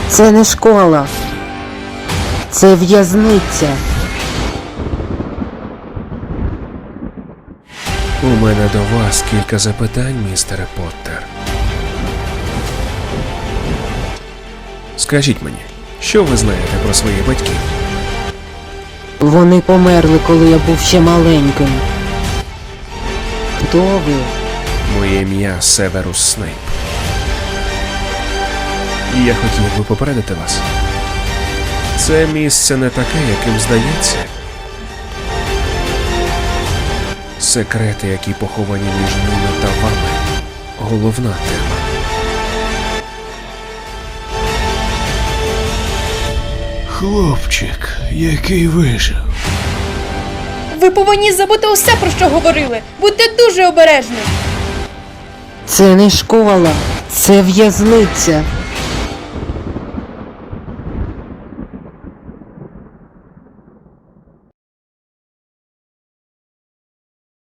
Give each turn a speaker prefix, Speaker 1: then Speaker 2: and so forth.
Speaker 1: Це не школа. Це в'язниця.
Speaker 2: У мене до вас кілька запитань, містере Поттер. Скажіть мені, що ви знаєте про своїх батьків?
Speaker 1: Вони померли, коли я був ще маленьким. Хто ви?
Speaker 2: Моє ім'я Северус Снейп. І я хотів би попередити вас. Це місце не таке, яким здається. Секрети, які поховані між ними та вами. Головна тема.
Speaker 3: Хлопчик, який вижив.
Speaker 4: Ви повинні забути усе, про що говорили. Будьте дуже обережні.
Speaker 1: Це не школа. Це в'язниця.